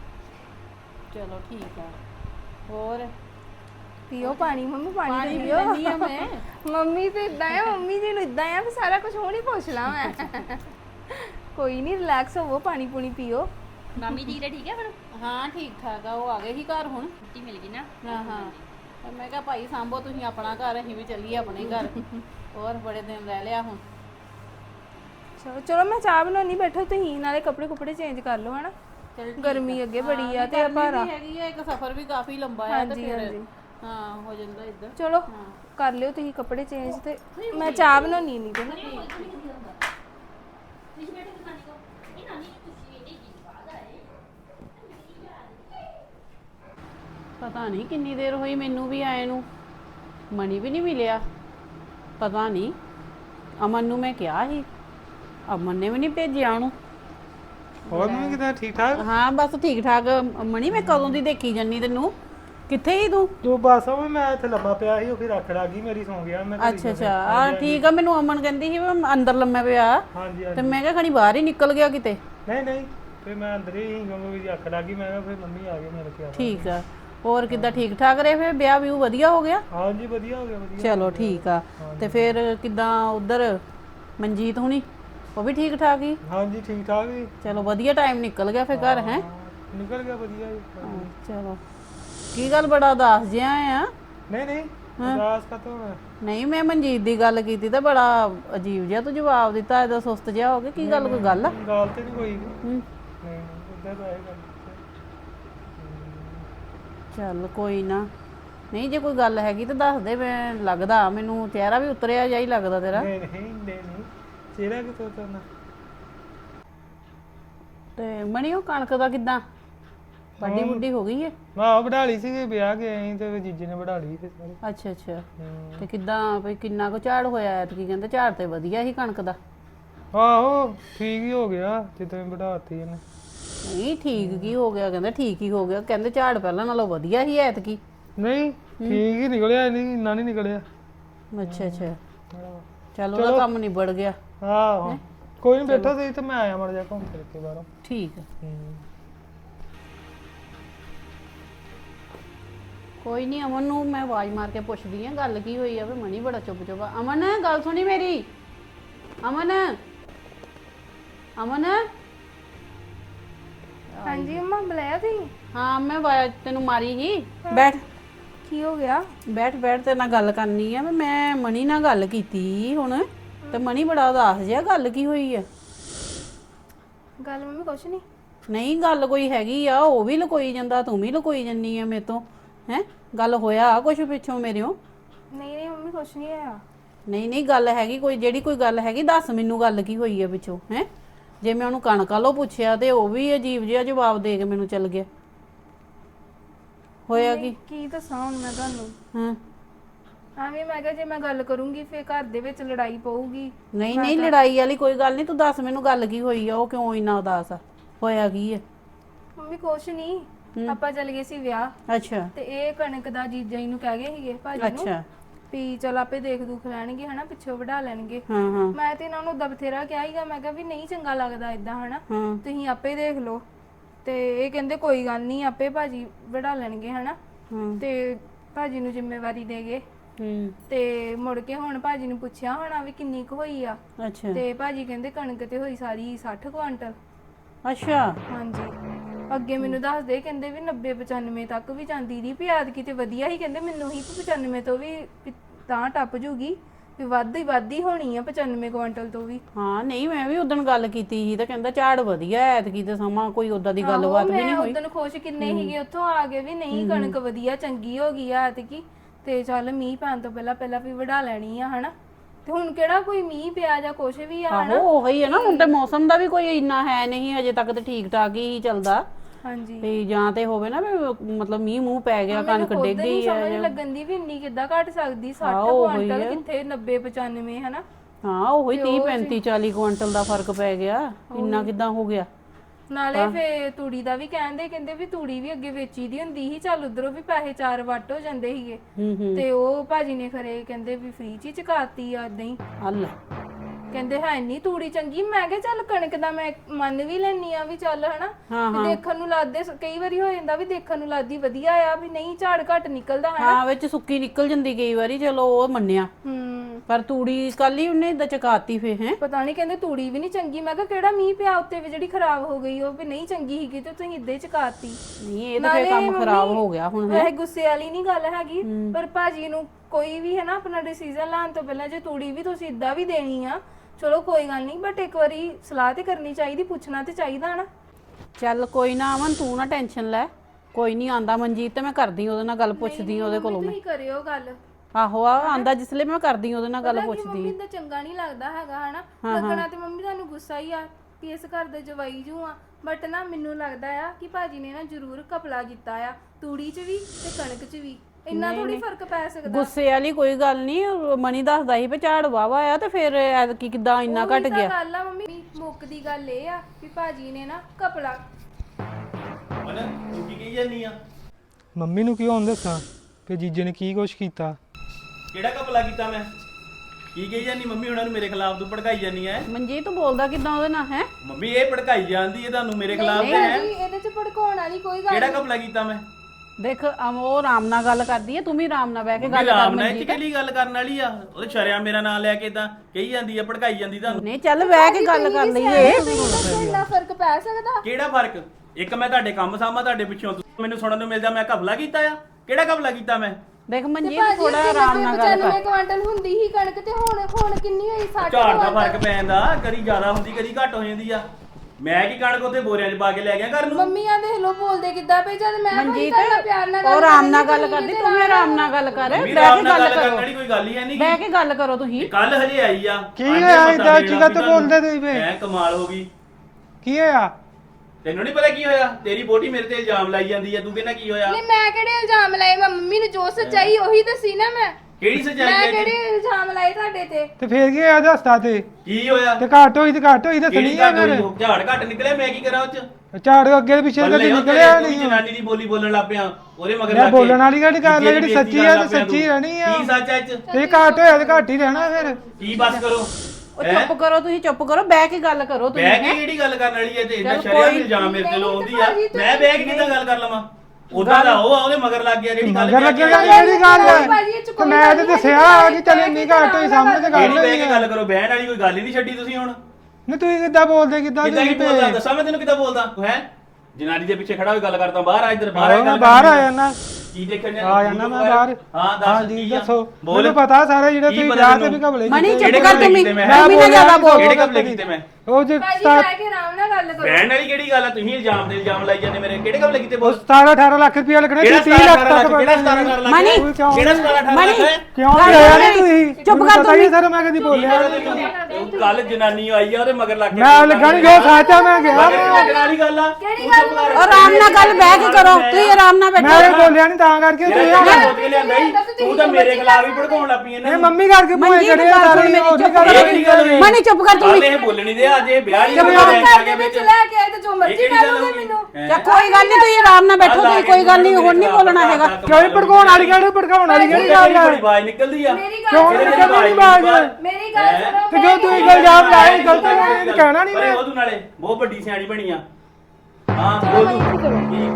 B: ਚਲੋ ਠੀਕ ਆ। ਹੋਰ
A: ਪੀਓ ਪਾਣੀ ਮੰਮੀ, ਪਾਣੀ
B: ਪਾਣੀ
A: ਤੇ
B: ਪੀ
A: ਪੀਓ।
B: ਲੈਂਦੀ ਆ ਮੈਂ।
A: ਮੰਮੀ ਤੇ ਇਦਾਂ ਆ, ਮੰਮੀ ਜੀ ਨੂੰ ਇਦਾਂ ਆ ਵੀ ਸਾਰਾ ਕੁਝ ਹੁਣ ਹੀ ਪੁੱਛ ਲਾਂ ਮੈਂ। ਕੋਈ ਨਹੀਂ, ਰਿਲੈਕਸ ਹੋਵੋ, ਪਾਣੀ ਪੂਣੀ ਪੀਓ।
C: ਮਾਮੀ ਜੀ ਦਾ ਠੀਕ ਹੈ ਹੁਣ?
B: ਹਾਂ ਠੀਕ ਠਾਕ ਆ। ਉਹ ਆ ਗਏ ਸੀ ਘਰ ਹੁਣ।
C: ਛੁੱਟੀ ਮਿਲ ਗਈ ਨਾ?
B: ਹਾਂ ਹਾਂ। ਤੇ ਮੈਂ ਕਿਹਾ ਭਾਈ ਸਾਂਭੋ ਤੁਸੀਂ ਆਪਣਾ ਘਰ, ਅਸੀਂ ਵੀ ਚੱਲੀਏ ਆਪਣੇ ਘਰ। ਹੋਰ ਬੜੇ ਦਿਨ ਰਹਿ ਲਿਆ ਹੁਣ।
A: ਚਲੋ ਚਲੋ, ਮੈਂ ਚਾਹ ਬਣਾਉਣੀ। ਬੈਠੋ ਤੁਸੀਂ, ਨਾਲੇ ਕੱਪੜੇ ਕੁਪੜੇ ਚੇਂਜ ਕਰ ਲਓ ਹਨਾ।
B: ਚੱਲ ਠੀਕ
A: ਗਰਮੀ ਅੱਗੇ ਬੜੀ ਆ ਤੇ
B: ਗਰਮੀ
A: ਭਾਰਾ।
B: ਵੀ ਹੈਗੀ ਆ। ਇੱਕ ਸਫ਼ਰ ਵੀ ਕਾਫੀ ਲੰਬਾ ਆ ਤੇ
A: ਹਾਂਜੀ
B: ਫਿਰ
A: ਹਾਂਜੀ।
B: ਹਾਂ ਹੋ ਜਾਂਦਾ ਇਦਾਂ।
A: ਚਲੋ ਕਰ ਲਿਓ ਤੁਸੀਂ ਕੱਪੜੇ ਚੇਂਜ, ਤੇ ਮੈਂ ਚਾਹ ਬਣਾਉਣੀ ਨਹੀਂ ਤੇ।
C: ਤੁਸੀਂ ਬੈਠੋ ਨਾਨੀ ਕੋ। ਇਹ ਨਾਨੀ ਤੁਸੀਂ ਇਹਦੇ ਕੀ ਬਾਅਦ ਆਏ?
B: ਪਤਾ ਨਹੀਂ ਕਿੰਨੀ ਦੇਰ ਹੋਈ ਮੈਨੂੰ ਵੀ ਆਏ ਨੂੰ। ਮਣੀ ਵੀ ਨਹੀਂ ਮਿਲਿਆ। ਪਤਾ ਨਹੀਂ। ਅਮਨ ਨੂੰ ਮੈਂ ਕਿਹਾ ਸੀ, ਅਮਨ ਨੇ ਵੀ ਨਹੀਂ ਭੇਜਿਆ ਉਹਨੂੰ।
D: ਹੋਰ ਮੰਮੀ ਕਿਦਾਂ? ਠੀਕ ਠਾਕ?
B: ਹਾਂ ਬਸ ਠੀਕ ਠਾਕ। ਮਣੀ ਮੈਂ ਕਦੋਂ ਦੀ ਦੇਖੀ ਜੰਨੀ ਤੈਨੂੰ। ਕਿੱਥੇ ਸੀ ਤੂੰ?
D: ਤੂੰ ਬਸ ਉਹ ਮੈਂ ਇੱਥੇ ਲੰਮਾ ਪਿਆ ਸੀ, ਉਹ ਫਿਰ ਅੱਖ ਲੱਗ ਗਈ ਮੇਰੀ, ਸੌਂ ਗਿਆ ਮੈਂ।
B: ਅੱਛਾ ਅੱਛਾ। ਆ ਠੀਕ ਆ। ਮੈਨੂੰ ਅਮਨ ਕਹਿੰਦੀ ਸੀ ਵੀ ਅੰਦਰ ਲੰਮਾ ਪਿਆ।
D: ਹਾਂਜੀ
B: ਤੇ
D: ਹਾਂਜੀ।
B: ਮੈਂ ਕਿਹਾ ਖਣੀ ਬਾਹਰ ਹੀ ਨਿਕਲ ਗਿਆ ਕਿਤੇ।
D: ਨਹੀਂ ਨਹੀਂ, ਫਿਰ ਮੈਂ ਅੰਦਰ ਹੀ ਸੀ ਕਿਉਂਕਿ ਮੇਰੀ ਅੱਖ ਲੱਗ ਗਈ। ਮੈਂ ਕਿਹਾ ਫਿਰ ਮੰਮੀ ਆ ਗਏ ਮੇਰੇ ਕੋਲ।
B: ਠੀਕ ਆ। ਹੋਰ ਕਿੱਦਾਂ? ਠੀਕ ਠਾਕ ਰਹੇ? ਫਿਰ ਵਿਆਹ ਵੀ ਵਧੀਆ ਹੋ ਗਿਆ?
D: ਹਾਂਜੀ ਵਧੀਆ ਹੋ ਗਿਆ, ਵਧੀਆ।
B: ਚਲੋ ਠੀਕ ਆ। ਤੇ ਫਿਰ ਕਿੱਦਾਂ ਉਧਰ ਮਨਜੀਤ ਹੁਣੀ? ਉਹ ਵੀ ਠੀਕ ਠਾਕ ਹੀ?
D: ਹਾਂਜੀ ਠੀਕ ਠਾਕ ਜੀ।
B: ਚਲੋ ਵਧੀਆ ਟਾਈਮ ਨਿਕਲ ਗਿਆ ਫਿਰ ਘਰ। ਹੈ
D: ਨਿਕਲ ਗਿਆ ਵਧੀਆ ਜੀ।
B: ਚਲੋ। ਕੀ ਗੱਲ ਬੜਾ ਉਦਾਸ ਜਿਹਾ ਆ?
D: ਨਹੀਂ ਨਹੀਂ, ਉਦਾਸ ਕਾਤੋਂ ਹੋਣਾ?
B: ਨਹੀਂ ਮੈਂ ਮਨਜੀਤ ਦੀ ਗੱਲ ਕੀਤੀ ਤਾਂ ਬੜਾ ਅਜੀਬ ਜਿਹਾ ਤੂੰ ਜਵਾਬ ਦਿੱਤਾ। ਇਹਦਾ ਸੁਸਤ ਜਿਹਾ ਹੋ ਗਿਆ। ਕੀ ਗੱਲ? ਕੋਈ ਗੱਲ ਆ?
D: ਗੱਲ ਤੇ ਨਹੀਂ ਕੋਈ ਵੀ।
B: ਹੂੰ।
D: ਨਹੀਂ ਉਦਾਂ ਤਾਂ ਇਹ ਗੱਲ।
B: ਚੱਲ ਕੋਈ ਨਾ। ਨਹੀਂ ਜੇ ਕੋਈ ਗੱਲ ਹੈਗੀ ਤਾਂ ਦੱਸ ਦੇ। ਮੈਂ ਲੱਗਦਾ ਮੈਨੂੰ ਚਿਹਰਾ ਵੀ ਉਤਰਿਆ ਜਿਹਾ ਹੀ ਲੱਗਦਾ ਤੇਰਾ।
D: ਨਹੀਂ ਨਹੀਂ ਨਹੀਂ ਨਹੀਂ, ਚਿਹਰਾ ਕਿਤੋਂ ਕਰਨਾ?
B: ਤੇ ਮਣੀ ਉਹ ਕਣਕ ਦਾ ਕਿੱਦਾਂ? ਵੱਡੀ ਬੁੱਢੀ ਹੋ ਗਈ ਹੈ?
D: ਮੈਂ ਵਢਾ ਲਈ ਸੀ, ਵਿਆਹ ਗਏ ਸੀ ਤੇ ਜੀਜੇ ਨੇ ਵਢਾ ਲਈ ਫਿਰ ਸਾਰੇ।
B: ਅੱਛਾ ਅੱਛਾ। ਤੇ ਕਿੱਦਾਂ ਭਈ ਕਿੰਨਾ ਕੁ ਝਾੜ ਹੋਇਆ ਐਤਕੀ? ਕਹਿੰਦੇ ਝਾੜ ਤੇ ਵਧੀਆ ਸੀ ਕਣਕ ਦਾ।
D: ਆਹੋ ਠੀਕ ਹੀ ਹੋ ਗਿਆ ਜਦੋਂ ਵਢਾਤੀ ਇਹਨੇ।
B: ਨਹੀਂ ਠੀਕ ਕੀ ਹੋ ਗਿਆ? ਕਹਿੰਦੇ ਠੀਕ ਹੀ ਹੋ ਗਿਆ। ਕਹਿੰਦੇ ਝਾੜ ਪਹਿਲਾਂ ਨਾਲੋਂ ਵਧੀਆ ਸੀ ਐਤਕੀ।
D: ਨਹੀਂ ਠੀਕ ਹੀ ਨਿਕਲਿਆ, ਨਹੀਂ ਇੰਨਾ ਨਹੀਂ ਨਿਕਲਿਆ।
B: ਅੱਛਾ ਅੱਛਾ। ਚਲ ਉਹਦਾ ਕੰਮ ਨਿਬੜ ਗਿਆ।
D: ਆਹੋ ਕੋਈ ਨਹੀਂ, ਬੈਠੋ ਤੁਸੀਂ ਤੇ ਮੈਂ ਆਇਆ ਮੜ ਜਾ ਘੁੰਮ ਫਿਰ ਕੇ ਬਾਹਰੋਂ।
B: ਠੀਕ ਹੈ। ਕੋਈ ਨਹੀਂ, ਅਮਨ ਨੂੰ ਮੈਂ ਆਵਾਜ਼ ਮਾਰ ਕੇ ਪੁੱਛਦੀ ਆ ਗੱਲ ਕੀ ਹੋਈ ਆ। ਵੀ ਮਣੀ ਬੜਾ ਚੁੱਪ ਚੁੱਪ ਆ। ਅਮਨ ਗੱਲ ਸੁਣੀ ਮੇਰੀ। ਅਮਨ ਅਮਨ।
A: ਹਾਂਜੀ ਮੰਮਾ, ਬੁਲਾਇਆ ਤੁਸੀਂ?
B: ਹਾਂ ਮੈਂ ਆਵਾਜ਼ ਤੈਨੂੰ ਮਾਰੀ ਸੀ। ਬੈਠ
A: ਕੀ ਹੋ ਗਿਆ?
B: ਬੈਠ ਬੈਠ, ਤੇਰੇ ਨਾਲ ਗੱਲ ਕਰਨੀ ਆ। ਮੈਂ ਮਣੀ ਨਾਲ ਗੱਲ ਕੀਤੀ ਹੁਣ, ਤੇ ਮਣੀ ਬੜਾ ਉਦਾਸ ਜਿਹਾ। ਗੱਲ ਕੀ ਹੋਈ ਆ?
A: ਗੱਲ ਮੰਮੀ ਕੁਛ ਨਹੀਂ।
B: ਨਹੀਂ ਗੱਲ ਕੋਈ ਹੈਗੀ ਆ। ਉਹ ਵੀ ਲੁਕੋਈ ਜਾਂਦਾ, ਤੂੰ ਵੀ ਲੁਕੋਈ ਜੰਨੀ ਆ ਮੇਰੇ ਤੋਂ। ਹੈ ਗੱਲ ਹੋਇਆ ਕੁਛ ਪਿੱਛੋਂ ਮੇਰਿਓ?
A: ਨਹੀਂ ਨਹੀਂ ਮੰਮੀ ਕੁਛ ਨਹੀਂ ਹੋਇਆ।
B: ਨਹੀਂ ਨਹੀਂ ਗੱਲ ਹੈਗੀ ਕੋਈ, ਜਿਹੜੀ ਕੋਈ ਗੱਲ ਹੈਗੀ ਦੱਸ ਮੈਨੂੰ ਗੱਲ ਕੀ ਹੋਈ ਆ ਪਿੱਛੋਂ ਹੈ। ਜੇ ਮੈਂ ਉਹਨੂੰ ਕਣਕ ਵਾਲੋ ਪੁੱਛਿਆ ਤੇ ਉਹ ਵੀ ਅਜੀਬ ਜਿਹਾ ਜਵਾਬ ਦੇ ਕੇ ਮੈਨੂੰ ਚੱਲ ਗਿਆ। ਹੋਇਆ
A: ਕੀ ਦੱਸਾਂ ਹੁਣ ਮੈਂ ਤੁਹਾਨੂੰ।
B: ਹਾਂ
A: ਐਵੇਂ ਮੈਂ ਕਿਹਾ ਜੇ ਮੈਂ ਗੱਲ ਕਰੂੰਗੀ ਫੇਰ ਘਰ ਦੇ ਵਿੱਚ ਲੜਾਈ ਪਊਗੀ।
B: ਨਹੀਂ ਨਹੀਂ ਲੜਾਈ ਵਾਲੀ ਕੋਈ ਗੱਲ ਨਹੀਂ, ਤੂੰ ਦੱਸ ਮੈਨੂੰ ਗੱਲ ਕੀ ਹੋਈ ਆ, ਉਹ ਕਿਉਂ ਇੰਨਾ ਉਦਾਸ ਆ, ਹੋਇਆ ਕੀ ਆ?
A: ਮੰਮੀ ਕੁਛ ਨਹੀਂ, ਆਪਾਂ ਚੱਲ ਗਏ ਸੀ ਵਿਆਹ
B: ਅੱਛਾ
A: ਤੇ ਇਹ ਕਣਕ ਦਾ ਜੀਜਾ ਜੀ ਨੂੰ ਕਹਿ ਗਏ ਸੀਗੇ ਭਾਜੀ ਨੂੰ
B: ਅੱਛਾ
A: ਵੀ ਚਲ ਆਪੇ ਦੇਖ ਦੁਖ ਲੈਣਗੇ ਹਨਾ, ਪਿੱਛੋਂ ਵਢਾ ਲੈਣਗੇ।
B: ਹਾਂ ਹਾਂ
A: ਮੈਂ ਤੇ ਇਹਨਾਂ ਨੂੰ ਉਦਾਂ ਬਥੇਰਾ ਕਿਹਾ ਸੀਗਾ, ਮੈਂ ਕਿਹਾ ਵੀ ਨਹੀਂ ਚੰਗਾ ਲੱਗਦਾ ਇਦਾਂ ਹਨਾ,
B: ਹਾਂ
A: ਤੁਸੀਂ ਆਪੇ ਦੇਖ ਲਓ। ਤੇ ਇਹ ਕਹਿੰਦੇ ਕੋਈ ਗੱਲ ਨਹੀਂ ਆਪੇ ਭਾਜੀ ਵਢਾ ਲੈਣਗੇ ਹਨਾ।
B: ਹਾਂ
A: ਤੇ ਭਾਜੀ ਨੂੰ ਜ਼ਿੰਮੇਵਾਰੀ ਦੇ ਗਏ। ਤੇ ਮੁੜ ਕੇ ਹੁਣ ਭਾਜੀ ਨੂੰ ਪੁੱਛਿਆ ਹੋਣਾ ਵੀ ਕਿੰਨੀ ਕੁ ਹੋਈ ਆ,
B: ਅੱਛਾ
A: ਤੇ ਭਾਜੀ ਕਹਿੰਦੇ ਕਣਕ ਤੇ ਹੋਈ ਸਾਰੀ 60 ਕੁਆਂਟਲ।
B: ਅੱਛਾ
A: ਹਾਂਜੀ ਅੱਗੇ ਮੈਨੂੰ ਦੱਸਦੇ ਕਹਿੰਦੇ ਵੀ 90 95 ਤੱਕ ਵੀ ਜਾਂਦੀ ਰਹੀ ਵੀ ਐਤਕੀ ਤੇ ਵਧੀਆ ਹੀ, ਕਹਿੰਦੇ ਮੈਨੂੰ ਹੀ 95 ਤੋਂ ਵੀ ਤਾਂ ਟੱਪ ਜੂਗੀ ਵੀ ਵੱਧ ਹੀ ਹੋਣੀ ਆ 95 ਕੁਆਂਟਲ ਤੋਂ ਵੀ।
B: ਹਾਂ ਨਹੀਂ ਮੈਂ ਵੀ ਉਦੋਂ ਗੱਲ ਕੀਤੀ ਸੀ ਤਾਂ ਕਹਿੰਦਾ ਝਾੜ ਵਧੀਆ ਐਤਕੀ ਤੇ ਸਮਾਂ ਕੋਈ ਉਦਾਂ ਦੀ ਗੱਲਬਾਤ ਵੀ ਨਹੀਂ ਹੋਈ।
A: ਉਦੋਂ ਖੁਸ਼ ਕਿੰਨੇ ਸੀਗੇ ਉੱਥੋਂ ਆ ਕੇ ਵੀ ਨਹੀਂ ਕਣਕ ਵਧੀਆ ਚੰਗੀ ਹੋ ਗਈ ਆ ਐਤਕੀ, ਤੇ ਚੱਲ ਮੀਂਹ ਪੈਣ ਤੋਂ ਪਹਿਲਾਂ ਵੀ ਵਢਾ ਲੈਣੀ ਆ ਹਨਾ। ਤੇ ਹੁਣ ਕਿਹੜਾ ਕੋਈ ਮੀਂਹ ਪਿਆ ਜਾਂ ਕੁਛ ਵੀ ਆ ਹਨਾ।
B: ਆਹੋ ਉਹੀ ਹੈ ਨਾ, ਹੁਣ ਤੇ ਮੌਸਮ ਦਾ ਵੀ ਕੋਈ ਇੰਨਾ ਹੈ ਨਹੀਂ, ਹਜੇ ਤੱਕ ਤੇ ਠੀਕ ਠਾਕ ਹੀ ਚੱਲਦਾ।
A: ਹਾਂਜੀ
B: ਤੇ ਜਾਂ ਤੇ ਹੋਵੇ ਨਾ ਵੀ ਮਤਲਬ ਮੀਂਹ ਮੂੰਹ ਪੈ ਗਿਆ, ਕਣਕ ਡਿੱਗ ਗਈ ਆ
A: ਸਮਝ ਲੱਗਣ ਦੀ ਵੀ ਇੰਨੀ ਕਿੱਦਾਂ ਘਟ ਸਕਦੀ 60
B: ਉਹੀ
A: ਕੁਆਂਟਲ ਕਿੱਥੇ 90 95 ਹਨਾ।
B: ਹਾਂ ਉਹੀ 30 35 40 ਕੁਇੰਟਲ ਦਾ ਫਰਕ ਪੈ ਗਿਆ, ਇੰਨਾ ਕਿੱਦਾਂ ਹੋ ਗਿਆ।
A: ਨਾਲੇ ਫੇ ਤੂੜੀ ਦਾ ਵੀ ਕਹਿੰਦੇ ਵੀ ਤੂੜੀ ਵੀ ਅੱਗੇ ਵੇਚੀ ਦੀ ਹੁੰਦੀ ਸੀ, ਚੱਲ ਉਧਰੋਂ ਵੀ ਪੈਸੇ 4 ਵੱਟ ਹੋ ਜਾਂਦੇ ਸੀਗੇ। ਤੇ ਉਹ ਭਾਜੀ ਨੇ ਖਰੇ ਕਹਿੰਦੇ ਵੀ ਫ੍ਰੀ ਚ ਹੀ ਚਕਾਤੀ ਆ ਏਦਾਂ ਹੀ।
B: ਹੱਲ
A: ਕਹਿੰਦੇ ਹੈ ਨਹੀਂ ਤੂੜੀ ਚੰਗੀ। ਮੈਂ ਕਿਹਾ ਚੱਲ ਕਣਕ ਦਾ ਮੈਂ ਮੰਨ ਵੀ ਲੈਣੀ ਆ ਵੀ ਚੱਲ ਹਨਾ ਵੀ ਦੇਖਣ ਨੂੰ ਲੱਗਦੇ, ਕਈ ਵਾਰੀ ਹੋ ਜਾਂਦਾ ਵੀ ਦੇਖਣ ਨੂੰ ਲੱਗਦੀ ਵਧੀਆ ਆ ਵੀ ਨਹੀਂ ਝਾੜ ਘੱਟ ਨਿਕਲਦਾ ਹਨਾ।
B: ਹਾਂ ਵਿੱਚ ਸੁੱਕੀ ਨਿਕਲ ਜਾਂਦੀ ਕਈ ਵਾਰੀ, ਚਲੋ ਉਹ ਮੰਨਿਆ, ਪਰ ਤੂੜੀ ਕੱਲ ਹੀ ਉਹਨੇ ਇਦਾਂ ਚਕਾਤੀ ਫੇ ਹੈ।
A: ਪਤਾ ਨਹੀਂ ਕਹਿੰਦੇ ਤੂੜੀ ਵੀ ਨਹੀਂ ਚੰਗੀ। ਮੈਂ ਕਿਹਾ ਕਿਹੜਾ ਮੀਂਹ ਪਿਆ ਉੱਤੇ ਵੀ ਜਿਹੜੀ ਖਰਾਬ ਹੋ ਗਈ, ਉਹ ਵੀ ਨਹੀਂ ਚੰਗੀ ਸੀਗੀ ਤੇ ਤੁਸੀਂ ਇੱਦਾਂ ਹੀ ਚਕਾਤੀ।
B: ਨਹੀਂ ਇਹ ਤਾਂ ਫੇ ਕੰਮ ਖਰਾਬ ਹੋ ਗਿਆ ਹੁਣ ਹੈ।
A: ਇਹ ਗੁੱਸੇ ਵਾਲੀ ਨਹੀਂ ਗੱਲ ਹੈਗੀ, ਪਰ ਭਾਜੀ ਨੂੰ ਕੋਈ ਵੀ ਹੈ ਨਾ ਆਪਣਾ ਡਿਸੀਜਨ ਲੈਣ ਤੋਂ ਪਹਿਲਾਂ ਜੇ ਤੂੜੀ ਵੀ ਤੁਸੀਂ ਇਦਾਂ ਵੀ ਦੇਣੀ ਆ ਚਲੋ ਕੋਈ ਗੱਲ ਨਹੀਂ, ਬਟ ਇੱਕ ਵਾਰੀ ਸਲਾਹ ਤੇ ਕਰਨੀ ਚਾਹੀਦੀ, ਪੁੱਛਣਾ ਤੇ ਚਾਹੀਦਾ ਨਾ।
B: ਚੱਲ ਕੋਈ ਨਾ ਅਮਨ ਤੂੰ ਨਾ ਟੈਨਸ਼ਨ ਲੈ, ਕੋਈ ਨਹੀਂ ਆਂਦਾ ਮਨਜੀਤ ਤੇ ਮੈਂ ਕਰਦੀ ਉਹਦੇ ਨਾਲ ਗੱਲ, ਪੁੱਛਦੀ ਉਹਦੇ ਕੋਲੋਂ ਮੈਂ।
A: ਤੁਸੀਂ ਕਰਿਓ ਗੱਲ।
B: ਆਹੋ ਆ ਆਂਦਾ ਜਿਸਲੇ ਮੈਂ ਕਰਦੀ ਉਹਦੇ ਨਾਲ ਗੱਲ, ਪੁੱਛਦੀ।
A: ਮੰਮੀ ਦਾ ਚੰਗਾ ਨਹੀਂ ਲੱਗਦਾ ਹੈਗਾ ਹਨਾ, ਲੱਗਣਾ ਤੇ ਮੰਮੀ ਤੁਹਾਨੂੰ ਗੁੱਸਾ ਹੀ ਆ ਕਿ ਇਸ ਘਰ ਦੇ ਜਵਾਈ ਜੂ ਆ, ਬਟ ਨਾ ਮੈਨੂੰ ਲੱਗਦਾ ਆ ਕਿ ਭਾਜੀ ਨੇ ਨਾ ਜ਼ਰੂਰ ਘਪਲਾ ਕੀਤਾ ਆ ਤੂੜੀ 'ਚ ਵੀ ਤੇ ਕਣਕ 'ਚ ਵੀ। ਇੰਨਾ ਥੋੜੀ ਫਰਕ ਪੈ ਸਕਦਾ।
B: ਗੁੱਸੇ ਵਾਲੀ ਕੋਈ ਗੱਲ ਨਹੀਂ, ਮਣੀ ਦੱਸਦਾ ਸੀ ਵੀ ਝਾੜ ਵਾਵਾ ਆ ਤੇ ਫਿਰ ਐਤਕੀ ਕਿਦਾਂ ਇੰਨਾ ਘਟ ਗਿਆ।
A: ਗੱਲ ਆ ਮੰਮੀ ਮੁੱਕ ਦੀ ਗੱਲ ਇਹ ਆ ਵੀ ਭਾਜੀ ਨੇ ਨਾ ਘਪਲਾ।
E: ਮਨ ਤੂੰ ਕੀ ਕਹੀ ਜਾਨੀ ਆ?
D: ਮੰਮੀ ਨੂੰ ਕਿਉਂ ਦੱਸਾਂ ਕਿ ਜੀਜੇ ਨੇ ਕੀ ਕੁਛ ਕੀਤਾ?
E: ਕਿਹੜਾ ਘਪਲਾ ਕੀਤਾ ਮੈਂ? ਕੀ ਕਹੀ ਜਾਨੀ? ਮੰਮੀ ਉਹਨਾਂ ਨੂੰ ਮੇਰੇ ਖਿਲਾਫ ਤੂੰ ਭੜਕਾਈ ਜਾਨੀ ਐ।
B: ਮਨਜੀਤ ਤੂੰ ਬੋਲਦਾ ਕਿਦਾਂ ਉਹਦੇ ਨਾਲ ਹੈ?
E: ਮੰਮੀ ਇਹ ਭੜਕਾਈ ਜਾਂਦੀ ਐ ਤੁਹਾਨੂੰ ਮੇਰੇ ਖਿਲਾਫ ਤੇ ਹੈ।
A: ਇਹਦੇ 'ਚ ਭੜਕਾਉਣ ਵਾਲੀ ਕੋਈ ਗੱਲ
E: ਕਿਹੜਾ ਘਪਲਾ ਕੀਤਾ ਮੈਂ?
B: ਦੇਖ ਉਹ ਆਰਾਮ ਨਾਲ ਗੱਲ ਕਰਦੀ ਹੈ, ਤੂੰ ਵੀ ਆਰਾਮ ਨਾਲ ਬਹਿ ਕੇ ਗੱਲ ਕਰ
E: ਆਰਾਮ ਨਾਲ
B: ਮਨਜੀਤ।
E: ਕਿਹੜੀ ਗੱਲ ਕਰਨ ਵਾਲੀ ਆ? ਉਹਦੇ ਸ਼ਰਿਆ ਮੇਰਾ ਨਾਂ ਲੈ ਕੇ ਤਾਂ ਕਹੀ ਜਾਂਦੀ ਆ, ਭੜਕਾਈ ਜਾਂਦੀ ਤੁਹਾਨੂੰ।
B: ਨਹੀਂ ਚੱਲ ਬਹਿ ਕੇ ਗੱਲ ਕਰ ਲਈਏ।
A: ਇੰਨਾ ਫਰਕ ਪੈ ਸਕਦਾ?
E: ਕਿਹੜਾ ਫਰਕ? ਇੱਕ ਮੈਂ ਤੁਹਾਡੇ ਕੰਮ ਸਾਂਭਾ ਤੁਹਾਡੇ ਪਿੱਛੋਂ, ਮੈਨੂੰ ਸੁਣਨ ਨੂੰ ਮਿਲਦਾ ਮੈਂ ਘਪਲਾ ਕੀਤਾ ਆ। ਕਿਹੜਾ ਘਪਲਾ ਕੀਤਾ ਮੈਂ?
B: ਦੇਖ ਮਨਜੀਤ ਥੋੜਾ ਆਰਾਮ ਨਾਲ ਗੱਲ
A: 95 ਕੁਆਂਟਲ ਹੁੰਦੀ ਸੀ ਕਣਕ ਤੇ ਹੁਣ ਕਿੰਨੀ ਹੋਈ? 60
E: ਝਾੜ ਦਾ ਫਰਕ ਪੈਂਦਾ, ਕਦੀ ਜ਼ਿਆਦਾ ਹੁੰਦੀ ਕਦੀ ਘੱਟ ਹੋ ਜਾਂਦੀ ਆ। ਮੈਂ ਕੀ ਕਣਕ ਉੱਥੇ ਬੋਰਿਆਂ 'ਚ ਪਾ ਕੇ ਲੈ ਗਿਆ ਘਰ ਨੂੰ?
A: ਮੰਮੀਆਂ ਦੇਖ ਲੋ ਬੋਲਦੇ ਕਿੱਦਾਂ ਪਏ, ਜਦ ਮੈਂ
B: ਮਨਜੀਤ
A: ਪਿਆਰ ਨਾਲ
B: ਉਹ ਆਰਾਮ ਨਾਲ ਗੱਲ ਕਰਦੀ, ਤੂੰ ਵੀ ਆਰਾਮ ਨਾਲ ਗੱਲ ਕਰ, ਬਹਿ ਕੇ
E: ਆਰਾਮ ਨਾਲ
B: ਗੱਲ
E: ਗੱਲ ਕਰਨ
B: ਕਰੋ,
E: ਵਾਲੀ ਕੋਈ ਗੱਲ ਹੀ ਹੈ ਨਹੀਂ।
B: ਬਹਿ ਕੇ ਗੱਲ ਕਰੋ ਤੁਸੀਂ।
E: ਕੱਲ ਹਜੇ ਆਈ ਆ।
D: ਕੀ ਹੋਇਆ ਏਦਾਂ ਚੀਕਾਂ ਤੋਂ ਬੋਲਦੇ ਤੁਸੀਂ ਵੇ?
E: ਐ ਕਮਾਲ ਹੋ ਗਈ।
D: ਕੀ ਹੋਇਆ?
E: ਤੈਨੂੰ ਨਹੀਂ ਪਤਾ ਕੀ ਹੋਇਆ? ਤੇਰੀ ਬੋਟੀ ਮੇਰੇ ਤੇ ਇਲਜ਼ਾਮ ਲਾਈ ਜਾਂਦੀ ਆ, ਤੂੰ ਕਹਿੰਦਾ ਕੀ ਹੋਇਆ?
A: ਨਹੀਂ ਮੈਂ ਕਿਹੜੇ ਇਲਜ਼ਾਮ ਲਾਏ? ਮੈਂ ਮੰਮੀ ਨੂੰ ਜੋ ਸੱਚਾਈ ਉਹੀ ਦੱਸੀ ਨਾ। ਮੈਂ
E: ਕਿਹੜੀ ਸੱਚਾਈ
A: ਮੈਂ
E: ਹੈ?
A: ਕਿਹੜੇ ਇਲਜ਼ਾਮ ਲਾਏ ਤੁਹਾਡੇ ਤੇ?
D: ਤੇ ਫੇਰ ਕੀ ਹੋਇਆ ਦੱਸਦਾ ਤੇ?
E: ਕੀ ਹੋਇਆ?
D: ਤੇ ਘੱਟ ਹੋਈ ਦੱਸਣੀ
E: ਕਿਹੜੀ
D: ਆ
E: ਗੱਲ
D: ਫਿਰ।
E: ਹੋਈ? ਝਾੜ ਘੱਟ ਨਿਕਲਿਆ, ਮੈਂ ਕੀ ਕਰਾਂ ਉਹ ਚ?
D: ਝਾੜ ਅੱਗੇ ਪਿੱਛੇ ਕਦੇ
E: ਬੱਲੇ ਉਹ
D: ਨਿਕਲਿਆ
E: ਤੇਰੀ
D: ਨਹੀਂ।
E: ਜਨਾਨੀ ਦੀ ਬੋਲੀ ਬੋਲਣ ਲੱਗ ਪਿਆ, ਉਹਦੇ ਮਗਰ
D: ਮੈਂ
E: ਲੱਗ ਕੇ।
D: ਬੋਲਣ ਵਾਲੀ ਕਿਹੜੀ ਗੱਲ ਆ? ਜਿਹੜੀ ਸੱਚੀ ਆ ਤੇ ਸੱਚੀ ਰਹਿਣੀ ਆ।
E: ਕੀ ਸੱਚ ਹੈ ਇਹ ਚ?
D: ਤੇ ਘੱਟ ਹੋਇਆ ਤੇ ਘੱਟ ਹੀ ਰਹਿਣਾ ਫਿਰ।
E: ਕੀ ਬਸ ਕਰੋ?
B: ਉਹ ਚੁੱਪ ਕਰੋ, ਤੁਸੀਂ ਚੁੱਪ ਕਰੋ, ਬਹਿ ਕੇ ਗੱਲ ਕਰੋ ਤੁਸੀਂ।
E: ਬਹਿ ਕੇ ਕਿਹੜੀ ਗੱਲ ਕਰਨ ਵਾਲੀ ਹੈ? ਤੇ ਇੰਨਾ
B: ਚੱਲ
E: ਸ਼ਰਿਆ
B: ਕੋਈ-
E: ਇਲਜ਼ਾਮ ਮੇਰੇ ਤੇ
A: ਨਹੀਂ
E: ਲਾਉਂਦੀ
A: ਤਾਂ
E: ਆ,
A: ਭਾਜੀ
E: ਮੈਂ ਬਹਿ ਕੇ ਕਿੱਦਾਂ ਗੱਲ ਕਰ ਲਵਾਂ? ਉਦਾਂ ਦਾ ਉਹ ਆ, ਉਹਦੇ ਮਗਰ ਲੱਗ ਗਿਆ ਜਿਹੜੀ ਗੱਲ
D: ਮਗਰ
E: ਕਹਿ ਕੇ
D: ਲੱਗੇਗਾ
E: ਆਈ।
D: ਕਿਹੜੀ ਗੱਲ
A: ਭਾਜੀ, ਇਹ
D: ਹੈ?
A: ਚ
D: ਤੇ
A: ਕੋਈ
D: ਮੈਂ
A: ਗੱਲ
D: ਤੇ
A: ਨਹੀਂ
D: ਦੱਸਿਆ
A: ਹੈਗੀ,
D: ਕਿ ਚੱਲ ਇੰਨੀ ਘੱਟ ਹੋਈ ਸਾਹਮਣੇ ਤੇ ਗੱਲ
E: ਕਿਹੜੀ ਬਹਿ
D: ਹੋਈ
E: ਕੇ
D: ਆ।
E: ਗੱਲ ਕਰੋ, ਬਹਿਣ ਵਾਲੀ ਕੋਈ ਗੱਲ ਹੀ ਨਹੀਂ ਛੱਡੀ ਤੁਸੀਂ ਹੁਣ।
D: ਨਹੀਂ ਤੁਸੀਂ ਕਿੱਦਾਂ ਬੋਲਦੇ ਕਿੱਦਾਂ
E: ਕਿੱਦਾਂ ਕੀ
D: ਤੁਸੀਂ
E: ਬੋਲਦਾ?
D: ਤੇ?
E: ਦੱਸਾਂ ਮੈਂ ਤੈਨੂੰ ਕਿੱਦਾਂ ਬੋਲਦਾ? ਤੂੰ ਹੈ ਜਨਾਨੀ ਦੇ ਪਿੱਛੇ ਖੜਾ ਹੋਈ ਗੱਲ ਕਰਦਾ, ਬਾਹਰ ਆ ਇੱਧਰ, ਬਾਹਰ ਆ
D: ਮੈਂ
E: ਗੱਲ
D: ਬਾਹਰ
E: ਕਰਨੀ।
D: ਆ ਜਾਣਾ।
E: ਕੀ ਦੇਖਣ
D: ਆ ਜਾਣਾ ਮੈਂ ਬਾਹਰ।
E: ਹਾਂ ਦੱਸ
D: ਹਾਂਜੀ
E: ਕੀ ਆ?
D: ਦੱਸੋ
E: ਬੋਲ।
D: ਮੈਨੂੰ ਪਤਾ ਸਾਰਾ ਜਿਹੜਾ
E: ਕੀ
D: ਤੁਸੀਂ
E: ਪਤਾ
D: ਵਿਆਹ ਤੇ
E: ਤੈਨੂੰ?
D: ਵੀ ਘਪਲੇ
B: ਮਣੀ
D: ਕੀਤੇ।
B: ਚੁੱਪ
E: ਕਿਹੜੇ
B: ਕਰ
E: ਘਪਲੇ
B: ਤੂੰ
E: ਕੀਤੇ ਮੈਂ?
B: ਮੰਮੀ ਨਾਲ ਜ਼ਿਆਦਾ ਬੋਲ
E: ਕਿਹੜੇ ਘਪਲੇ ਕੀਤੇ ਮੈਂ?
D: ਉਹ ਜੇ
A: ਭਾਜੀ ਬਹਿ ਕੇ ਆਰਾਮ ਨਾਲ ਗੱਲ ਕਰੋ।
E: ਬਹਿਣ ਵਾਲੀ ਕਿਹੜੀ ਗੱਲ ਆ? ਤੁਸੀਂ ਇਲਜ਼ਾਮ ਲਾਈ ਜਾਂਦੇ ਮੇਰੇ। ਕਿਹੜੇ ਘਪਲੇ ਕੀਤੇ ਬੋਲ?
D: 17-18 ਲੱਖ ਰੁਪਇਆ ਲੱਗਣਾ
E: ਕਿਹੜਾ
D: 30 ਲੱਖ
E: 17
D: ਤੱਕ
E: ਲੱਖ? ਕਿਹੜਾ 17 ਲੱਖ?
B: ਮਣੀ,
E: ਕਿਹੜਾ 17
B: ਮਣੀ,
E: ਲੱਖ ਹੈ?
D: ਕਿਉਂ
B: ਗੱਲ
D: ਲਿਆ
B: ਨਹੀਂ,
D: ਨਹੀਂ ਤੁਸੀਂ
B: ਚੁੱਪ
D: ਮੈਨੂੰ
B: ਕਰ
D: ਪਤਾ
B: ਤੂੰ।
D: ਹੀ ਸਰ ਮੈਂ ਕਦੀ ਬੋਲਿਆ
E: ਤੂੰ ਕੱਲ ਜਨਾਨੀ ਆਈ ਆ ਉਹਦੇ ਮਗਰ ਲੱਗ ਕੇ
D: ਮੈਂ ਲੱਗਣ ਜੋ ਸਾਚਾ ਮੈਂ ਗਿਆ
E: ਮਗਰ ਲੱਗਣ ਵਾਲੀ ਗੱਲ ਆ।
A: ਕਿਹੜੀ ਗੱਲ ਕਰ
B: ਆਰਾਮ ਨਾਲ ਗੱਲ ਬਹਿ ਕੇ ਕਰੋ, ਤੁਸੀਂ ਆਰਾਮ ਨਾਲ
D: ਮੈਂ
B: ਬੈਠੋ।
D: ਇਹ ਬੋਲਿਆ ਨਹੀਂ ਤਾਂ ਕਰਕੇ ਤੁਸੀਂ
E: ਸੋਚ ਕੇ ਲਿਆਂਦਾ ਹੀ। ਤੂੰ ਤਾਂ ਮੇਰੇ ਖਿਲਾਫ ਹੀ ਭੜਕਾਉਣ ਲੱਗ ਪਈ ਇਹਨਾਂ
D: ਇਹ
E: ਨੂੰ।
D: ਮੰਮੀ ਕਰਕੇ ਭੂਏ
B: ਮਨਜੀਤ
D: ਚੜੇ
B: ਗੱਲ
D: ਸਾਰੇ
B: ਸੁਣ ਮੇਰੀ,
D: ਹੋਰ ਨਹੀਂ
B: ਚੁੱਪ
E: ਇਹ ਕਿਹੜੀ ਗੱਲ ਹੋਈ?
B: ਮਣੀ ਚੁੱਪ ਕਰ ਤੂੰ ਵੀ।
E: ਇਹ ਬੋਲਣੀ ਦੇ ਅੱਜ ਇਹ ਵਿਆਹ ਨਹੀਂ
A: ਜਬ
E: ਹੋਇਆ
A: ਘਰ ਦੇ ਵਿੱਚ ਲੈ ਕੇ ਆਏ ਤੇ ਜੋ ਮਰਜ਼ੀ
E: ਇਹ
A: ਕਰ
E: ਕਿਹੜੀ ਗੱਲ
A: ਲਓਗੇ
E: ਹੋਈ?
A: ਮੈਨੂੰ।
B: ਜਾਂ ਕੋਈ ਗੱਲ ਨਹੀਂ, ਤੁਸੀਂ ਆਰਾਮ ਨਾਲ ਬੈਠੋ, ਤੁਸੀਂ ਕੋਈ ਗੱਲ ਨਹੀਂ, ਹੁਣ ਨਹੀਂ ਬੋਲਣਾ ਹੈਗਾ।
D: ਕਿਉਂ ਇਹ ਭੜਕਾਉਣ ਵਾਲੀ ਗੱਲ ਭੜਕਾਉਣ ਵਾਲੀ ਕਿਹੜੀ ਗੱਲ
E: ਬੜੀ
D: ਹੈ
E: ਆਵਾਜ਼ ਨਿਕਲਦੀ ਆ।
A: ਮੇਰੀ
D: ਕਿਉਂ
A: ਗੱਲ
D: ਨਹੀਂ
A: ਸੁਣੋ।
D: ਨਿਕਲਦੀ ਬਾਜ
A: ਮੇਰੀ ਗੱਲ ਸੁਣੋ।
D: ਤੇ ਜੋ ਤੂੰ ਇਹ ਇਲਜ਼ਾਮ ਲਾਏ ਗਲਤ ਹੈ ਇਹ ਕਹਿਣਾ ਨਹੀਂ
E: ਪਰ
D: ਮੈਂ
E: ਉਹ ਤੂੰ ਨਾਲੇ ਬਹੁਤ ਵੱਡੀ ਸਿਆਣੀ ਬਣੀ ਆ। ਹਾਂ ਬੋਲ ਤੂੰ। ਕੀ?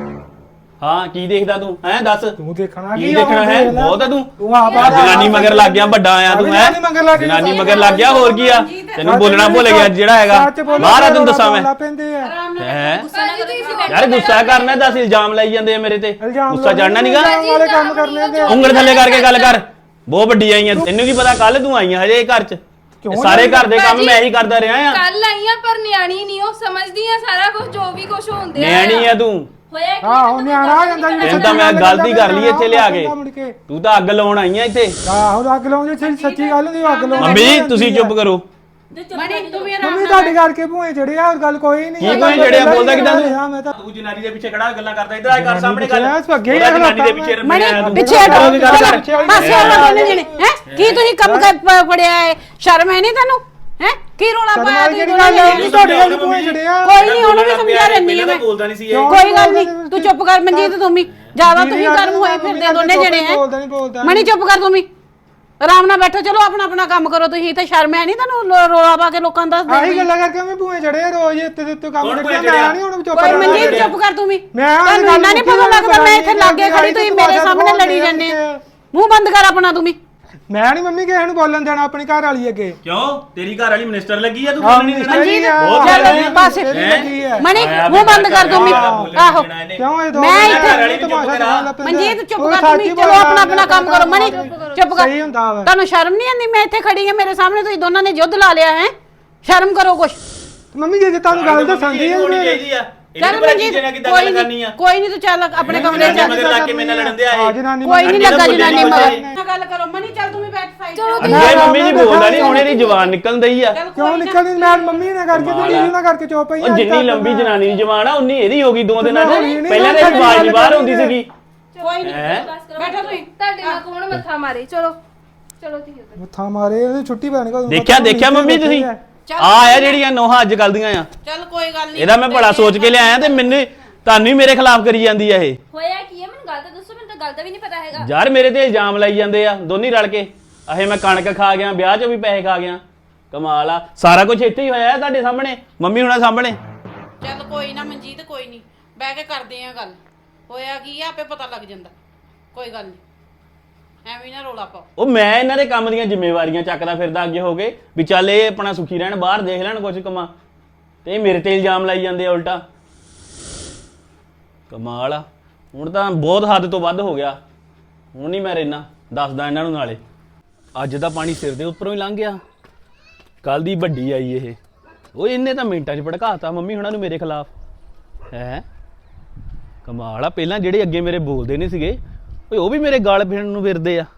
E: ਹਾਂ ਕੀ ਦੇਖਦਾ ਤੂੰ? ਹੈਂ ਦੱਸ
D: ਤੂੰ ਦੇਖਣਾ
E: ਕੀ ਦੇਖਣਾ ਹੈ? ਬਹੁਤ ਆ ਤੂੰ।
D: ਤੂੰ ਆ ਬਾਹਰ
E: ਜਨਾਨੀ ਮਗਰ ਲੱਗ ਗਿਆ, ਵੱਡਾ ਆਇਆ ਤੂੰ ਹੈ।
D: ਜਨਾਨੀ ਮਗਰ ਲੱਗ ਗਿਆ।
E: ਜਨਾਨੀ ਮਗਰ ਲੱਗ ਗਿਆ, ਹੋਰ ਕੀ ਆ? ਤੈਨੂੰ ਬੋਲਣਾ ਭੁੱਲ ਗਿਆ ਜਿਹੜਾ ਹੈਗਾ। ਬਾਹਰ ਆ ਤੈਨੂੰ ਦੱਸਾਂ ਮੈਂ।
B: ਆਰਾਮ ਨਾਲ
E: ਹੈਂ?
B: ਗੁੱਸਾ ਨਾ ਕਰੋ।
E: ਯਾਰ ਗੁੱਸਾ ਕਰਨਾ, ਦੱਸ ਇਲਜ਼ਾਮ ਲਾਈ ਜਾਂਦੇ ਆ ਮੇਰੇ ਤੇ। ਗੁੱਸਾ ਚੜਨਾ ਨਹੀਂਗਾ।
D: ਵਾਲੇ ਕੰਮ ਕਰਨੇ ਦੇ
E: ਉਂਗਲ ਥੱਲੇ ਕਰਕੇ ਗੱਲ ਕਰ। ਬਹੁਤ ਵੱਡੀ ਆਈਆਂ, ਤੈਨੂੰ ਕੀ ਪਤਾ ਕੱਲ ਤੂੰ ਆਈਆਂ ਹਜੇ ਇਹ ਘਰ 'ਚ। ਇਹ ਸਾਰੇ ਘਰ ਦੇ ਕੰਮ ਮੈਂ ਹੀ ਕਰਦਾ ਰਿਹਾ ਆ।
A: ਕੱਲ ਆਈਆਂ ਪਰ ਨਿਆਣੀ ਨਹੀਂ ਉਹ ਸਮਝਦੀ ਆ ਸਾਰਾ ਕੁਝ ਜੋ ਵੀ ਕੁਝ ਹੁੰਦੇ ਆ।
E: ਨਿਆਣੀ ਆ ਤੂੰ।
C: ਹੋਇਆ ਕੀ
D: ਆਹੋ ਨਿਆਣਾ ਆ ਜਾਂਦਾ
E: ਤੈਨੂੰ ਤਾਂ ਮੈਂ ਗਲਤੀ ਕਰ ਲਈ ਇੱਥੇ ਲਿਆ ਕੇ। ਤੂੰ ਤਾਂ ਅੱਗ ਲਾਉਣ ਆਈ ਆ ਇੱਥੇ।
D: ਆਹੋ ਅੱਗ ਲਾਉਂਦੇ ਸੱਚੀ ਗੱਲ ਨਹੀਂ ਅੱਗ ਲਾਉਂਦੇ
E: ਮੰਮੀ ਜੀ ਤੁਸੀਂ ਚੁੱਪ ਕਰੋ।
B: ਮਣੀ ਤੂੰ ਵੀ ਆਰਾਮ
D: ਮੰਮੀ
B: ਨਾਲ
D: ਤੁਹਾਡੇ ਕਰਕੇ ਭੂਏ ਚੜੇ ਆ ਹੋਰ ਗੱਲ ਕੋਈ ਨਹੀਂ
E: ਕੀ ਕੋਈ ਜੜਿਆ ਬੋਲਦਾ ਕਿਦਾਂ
D: ਮੈਂ ਤਾਂ
E: ਤੂੰ ਜਨਾਨੀ ਦੇ ਪਿੱਛੇ ਖੜਾ ਗੱਲਾਂ ਕਰਦਾ ਇਧਰ ਆ ਕਰ ਸਾਹਮਣੇ ਗੱਲ।
D: ਤੂੰ ਅੱਗੇ ਹੀ
E: ਉਹਦਾ ਜਨਾਨੀ ਦੇ
D: ਖਲੋਤਾ
E: ਪਿੱਛੇ
B: ਮਣੀ
E: ਰਮਿਆ ਤੂੰ।
B: ਪਿੱਛੇ ਹਟੋ,
E: ਉਹਦੀ ਗੱਲ ਕਰ।
B: ਚਲੋ ਪਾਸੇ ਹੋ ਦੋਨੇ ਜਣੇ ਹੈ। ਕੀ ਤੁਸੀਂ ਕੰਮ ਫੜਿਆ ਹੈ? ਸ਼ਰਮ ਹੈ ਨਹੀਂ ਤੈਨੂੰ? ਹੈ ਕੀ ਰੋਲਾ ਪਾਇਆ ਤੁਸੀਂ
D: ਜਿਹੜੀ
B: ਦੋਨਾਂ
D: ਗੱਲ ਹੈ
B: ਨੇ?
D: ਨਹੀਂ ਤੁਹਾਡੇ ਨਾਲ ਭੂਏ ਚੜੇ ਆ
B: ਕੋਈ ਨਹੀਂ, ਉਹਨੂੰ ਵੀ ਸਮਝਾ ਦਿੰਦੀ ਆ ਮੈਂ।
E: ਬੋਲਦਾ ਨਹੀਂ ਸੀ ਇਹ।
B: ਕੋਈ ਗੱਲ ਨਹੀਂ, ਤੂੰ ਚੁੱਪ ਕਰ ਮਨਜੀਤ, ਤੂੰ ਵੀ ਜ਼ਿਆਦਾ ਤੁਸੀਂ ਗਰਮ ਹੋਏ ਫਿਰਦੇ ਦੋਨੇ ਜਣੇ ਹੈ।
D: ਬੋਲਦਾ ਨਹੀਂ ਬੋਲਦਾ
B: ਮਣੀ ਚੁੱਪ ਕਰ ਤੂੰ ਵੀ, ਆਰਾਮ ਨਾਲ ਬੈਠੋ। ਚਲੋ ਆਪਣਾ ਆਪਣਾ ਕੰਮ ਕਰੋ। ਤੁਸੀਂ ਤੇ ਸ਼ਰਮ ਹੈ ਨਹੀਂ ਤੁਹਾਨੂੰ ਰੋਲਾ ਪਾ ਕੇ ਲੋਕਾਂ ਦਾ ਦੱਸ
D: ਆਹੀ
B: ਦੇ।
D: ਗੱਲਾਂ ਕਰਕੇ ਮੈਂ ਭੂਏ ਚੜੇ ਆ ਰੋਜ਼ ਇੱਥੇ ਤੇ ਕੰਮ
E: ਕੌਣ ਭੂਏ
D: ਕਰਦੇ
E: ਚੜਿਆ?
D: ਮੈਂ ਨਹੀਂ ਹੁਣ ਚੁੱਪ
B: ਕੋਈ
D: ਕਰ
B: ਮਨਜੀਤ ਚੁੱਪ ਕਰ ਤੂੰ ਵੀ।
D: ਮੈਂ ਉਹ
B: ਤੁਹਾਨੂੰ
D: ਗੱਲ
B: ਇੰਨਾ ਨਹੀਂ ਪਤਾ ਲੱਗਦਾ ਮੈਂ ਇੱਥੇ ਲਾਗੇ ਖੜੀ, ਤੁਸੀਂ ਮੇਰੇ ਸਾਹਮਣੇ ਲੜੀ ਜਾਂਦੇ ਆ। ਮੂੰਹ ਬੰਦ ਕਰ ਆਪਣਾ ਤੂੰ ਵੀ।
D: ਮੈਂ ਨਹੀਂ ਮੰਮੀ ਕਿਸੇ ਨੂੰ ਬੋਲਣ ਦੇਣਾ ਆਪਣੀ ਘਰ ਵਾਲੀ ਅੱਗੇ
E: ਕਿਉਂ ਤੇਰੀ ਘਰ ਵਾਲੀ ਮਿਨਿਸਟਰ ਲੱਗੀ ਆ ਤੂੰ ਬੋਲਣੀ ਨਹੀਂ
B: ਮਨਜੀਤ
E: ਬਹੁਤ
B: ਚੱਲ
E: ਲੱਗੀ
B: ਪਾਸੇ।
D: ਲੱਗੀ ਹੈ
B: ਮਣੀ ਮੂੰਹ ਬੰਦ ਕਰ ਤੂੰ ਵੀ। ਆਹੋ
D: ਕਿਉਂ ਇਹ ਦੋ
B: ਮੈਂ
D: ਘਰ
B: ਇੱਥੇ-
D: ਵਾਲੀ ਤਮਾਸ਼ਾ ਦਿਖਾਉਣ ਲੱਗ ਪੈਂਦੇ।
B: ਮਨਜੀਤ ਚੁੱਪ
D: ਉਹ
B: ਕਰ ਤੂੰ ਵੀ।
D: ਸੱਚ ਹੀ
B: ਚਲੋ ਆਪਣਾ ਆਪਣਾ ਕੰਮ ਕਰੋ। ਮਣੀ ਚੁੱਪ ਕਰ।
D: ਸਹੀ ਹੁੰਦਾ ਵਾ
B: ਤੁਹਾਨੂੰ ਸ਼ਰਮ ਨਹੀਂ ਆਉਂਦੀ? ਮੈਂ ਇੱਥੇ ਖੜੀ ਹਾਂ, ਮੇਰੇ ਸਾਹਮਣੇ ਤੁਸੀਂ ਦੋਨਾਂ ਨੇ ਯੁੱਧ ਲਾ ਲਿਆ ਹੈ। ਸ਼ਰਮ ਕਰੋ ਕੁਛ।
D: ਮੰਮੀ ਜੇ ਤੁਹਾਨੂੰ ਗੱਲ ਦੱਸਣ ਦੀ
E: ਹੋਣੀ
D: ਹੈ
E: ਚਾਹੀਦੀ ਆ।
B: ਚੱਲ ਮਨਜੀਤ ਕੋਈ ਨਹੀਂ, ਕੋਈ ਨਹੀਂ, ਤੂੰ ਚੱਲ ਆਪਣੇ ਕਮਰੇ ਚ
E: ਮਗਰ ਲੱਗ ਕੇ ਮੇਰੇ ਨਾਲ ਲੜਨ ਦੇ
D: ਹਾਂ
E: ਆਏ।
D: ਜਨਾਨੀ
B: ਕੋਈ ਨਹੀਂ ਲੱਗਾ ਜਨਾਨੀ ਮਗਰ।
E: ਚਲੋ
B: ਗੱਲ ਕਰੋ ਮਣੀ, ਚੱਲ ਤੂੰ ਵੀ ਬੈਠ ਸਾਈਡ
A: ਚਲੋ
B: ਤੇ।
E: ਅੱਗੇ ਮੰਮੀ ਜੀ ਬੋਲਦਾ ਨਹੀਂ ਹੁਣ ਇਹਦੀ ਜ਼ੁਬਾਨ ਨਿਕਲਣ ਦਈ ਆ।
B: ਚੱਲ
D: ਕਿਉਂ
B: ਕੋਈ ਨਾ।
D: ਨਿਕਲਦੀ ਮੈਂ ਮੰਮੀ ਨੇ ਕਰਕੇ ਤੇ ਦੀਦੀ ਨਾਲ ਕਰਕੇ ਚੁੱਪ ਪਈ
E: ਉਹ ਜਿੰਨੀ ਲੰਬੀ ਜਨਾਨੀ ਦੀ ਜ਼ੁਬਾਨ ਆ ਉਨੀ ਇਹਦੀ ਹੋ ਗਈ ਦੋ ਦਿਨਾਂ
D: ਹੋਣੀ
E: ਚ।
D: ਨਹੀਂ,
E: ਪਹਿਲਾਂ ਤਾਂ ਆਵਾਜ਼ ਨਹੀਂ ਬਾਹਰ ਹੁੰਦੀ ਸੀਗੀ।
B: ਕੋਈ ਨਹੀਂ,
E: ਹੈਂ?
B: ਬੈਠੋ ਤੁਸੀਂ।
A: ਤੁਹਾਡੇ ਨਾਲ ਕੌਣ ਮੱਥਾ ਮਾਰੇ? ਚਲੋ ਚਲੋ ਧੀਏ।
D: ਮੱਥਾ ਮਾਰੇ ਉਹਦੀ ਛੁੱਟੀ ਪੈਣੀ ਕੋ
E: ਦੇਖਿਆ ਮੰਮੀ ਤੁਸੀਂ ਆ ਆ ਜਿਹੜੀਆਂ ਨੋਹਾਂ ਅੱਜ ਕੱਲ ਦੀਆਂ ਆ।
B: ਚੱਲ ਕੋਈ ਗੱਲ ਨਹੀਂ।
E: ਇਹਦਾ ਮੈਂ ਬੜਾ ਸੋਚ ਕੇ ਲਿਆਇਆ ਤੇ ਮੈਨੂੰ ਤੁਹਾਨੂੰ ਹੀ ਮੇਰੇ ਖਿਲਾਫ ਕਰੀ ਜਾਂਦੀ ਆ ਇਹ।
C: ਹੋਇਆ ਕੀ ਹੈ ਮੈਨੂੰ ਗੱਲ ਤਾਂ ਦੱਸੋ, ਮੈਨੂੰ ਤਾਂ ਗੱਲ ਦਾ ਵੀ ਨਹੀਂ ਪਤਾ ਹੈਗਾ।
E: ਯਾਰ ਮੇਰੇ ਤੇ ਇਲਜ਼ਾਮ ਲਾਈ ਜਾਂਦੇ ਆ ਦੋਨੀ ਰਲ ਕੇ। ਅਹੇ ਮੈਂ ਕਣਕ ਖਾ ਗਿਆ, ਵਿਆਹ 'ਚੋਂ ਵੀ ਪੈਸੇ ਖਾ ਗਿਆ। ਕਮਾਲ ਆ, ਸਾਰਾ ਕੁਝ ਇੱਥੇ ਹੀ ਹੋਇਆ ਤੁਹਾਡੇ ਸਾਹਮਣੇ, ਮੰਮੀ ਹੁਣਾਂ ਸਾਹਮਣੇ।
B: ਚੱਲ ਕੋਈ ਨਾ ਮਨਜੀਤ, ਕੋਈ ਨਹੀਂ, ਬਹਿ ਕੇ ਕਰਦੇ ਆ ਗੱਲ। ਹੋਇਆ ਕੀ ਆ ਆਪੇ ਪਤਾ ਲੱਗ ਜਾਂਦਾ। ਕੋਈ ਗੱਲ ਨਹੀਂ, ਐਵੇਂ ਨਾ ਰੋਲਾ ਪਾਓ।
E: ਉਹ ਮੈਂ ਇਹਨਾਂ ਦੇ ਕੰਮ ਦੀਆਂ ਜ਼ਿੰਮੇਵਾਰੀਆਂ ਚੱਕਦਾ ਫਿਰਦਾ ਅੱਗੇ ਹੋ ਕੇ ਵੀ ਚੱਲ ਇਹ ਆਪਣਾ ਸੁਖੀ ਰਹਿਣ, ਬਾਹਰ ਦੇਖ ਲੈਣ ਕੁਝ ਕਮਾ, ਤੇ ਇਹ ਮੇਰੇ ਤੇ ਇਲਜ਼ਾਮ ਲਾਈ ਜਾਂਦੇ ਆ ਉਲਟਾ। ਕਮਾਲ ਆ, ਹੁਣ ਤਾਂ ਬਹੁਤ ਹੱਦ ਤੋਂ ਵੱਧ ਹੋ ਗਿਆ। ਹੁਣ ਨਹੀਂ ਮੈਂ ਰਹਿਣਾ, ਦੱਸਦਾ ਇਹਨਾਂ ਨੂੰ ਨਾਲੇ। ਅੱਜ ਦਾ ਪਾਣੀ ਸਿਰ ਦੇ ਉੱਪਰੋਂ ਹੀ ਲੰਘ ਗਿਆ। ਕੱਲ ਦੀ ਵੱਡੀ ਆਈ ਇਹ, ਉਹ ਇਹਨੇ ਤਾਂ ਮਿੰਟਾਂ 'ਚ ਭੜਕਾਤਾ ਮੰਮੀ ਹੁਣਾਂ ਨੂੰ ਮੇਰੇ ਖਿਲਾਫ। ਹੈ ਕਮਾਲ ਆ, ਪਹਿਲਾਂ ਜਿਹੜੇ ਅੱਗੇ ਮੇਰੇ ਬੋਲਦੇ ਨਹੀਂ ਸੀਗੇ ਓਏ ਉਹ ਵੀ ਮੇਰੇ ਗਾਲ ਫਿਰਨ ਨੂੰ ਫਿਰਦੇ ਆ।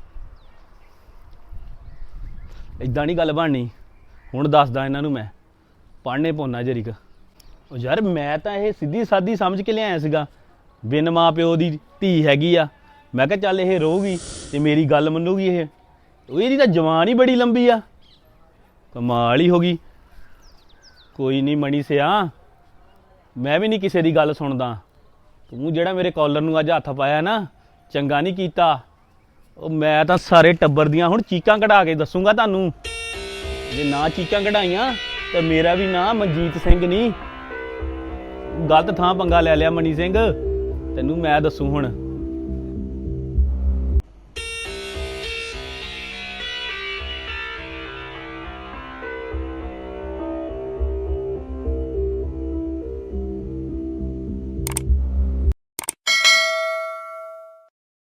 E: ਇਦਾਂ ਨਹੀਂ ਗੱਲ ਬਣਨੀ। ਹੁਣ ਦੱਸਦਾ ਇਹਨਾਂ ਨੂੰ ਮੈਂ, ਪੜ੍ਹਨੇ ਪੌਣਾ ਜਰੀਕ। ਉਹ ਯਾਰ ਮੈਂ ਤਾਂ ਇਹ ਸਿੱਧੀ ਸਾਦੀ ਸਮਝ ਕੇ ਲਿਆਇਆ ਸੀਗਾ, ਬਿਨ ਮਾਂ ਪਿਓ ਦੀ ਧੀ ਹੈਗੀ ਆ। ਮੈਂ ਕਿਹਾ ਚੱਲ ਇਹ ਰਹੂਗੀ ਤੇ ਮੇਰੀ ਗੱਲ ਮੰਨੂਗੀ ਇਹ। ਉਹ ਇਹਦੀ ਤਾਂ ਜਵਾਨ ਹੀ ਬੜੀ ਲੰਬੀ ਆ, ਕਮਾਲ ਹੀ ਹੋ ਗਈ। ਕੋਈ ਨਹੀਂ ਮਣੀ ਸਿਆ, ਮੈਂ ਵੀ ਨਹੀਂ ਕਿਸੇ ਦੀ ਗੱਲ ਸੁਣਦਾ। ਤੂੰ ਜਿਹੜਾ ਮੇਰੇ ਕਾਲਰ ਨੂੰ ਅੱਜ ਹੱਥ ਪਾਇਆ ਨਾ, ਚੰਗਾ ਨਹੀਂ ਕੀਤਾ। ਉਹ ਮੈਂ ਤਾਂ ਸਾਰੇ ਟੱਬਰ ਦੀਆਂ ਹੁਣ ਚੀਕਾਂ ਕਢਾ ਕੇ ਦੱਸੂਗਾ ਤੁਹਾਨੂੰ। ਜੇ ਨਾ ਚੀਕਾਂ ਕਢਾਈਆਂ ਤਾਂ ਮੇਰਾ ਵੀ ਨਾਂ ਮਨਜੀਤ ਸਿੰਘ ਨਹੀਂ। ਗਲਤ ਥਾਂ ਪੰਗਾ ਲੈ ਲਿਆ ਮਣੀ ਸਿੰਘ, ਤੈਨੂੰ ਮੈਂ ਦੱਸੂ ਹੁਣ।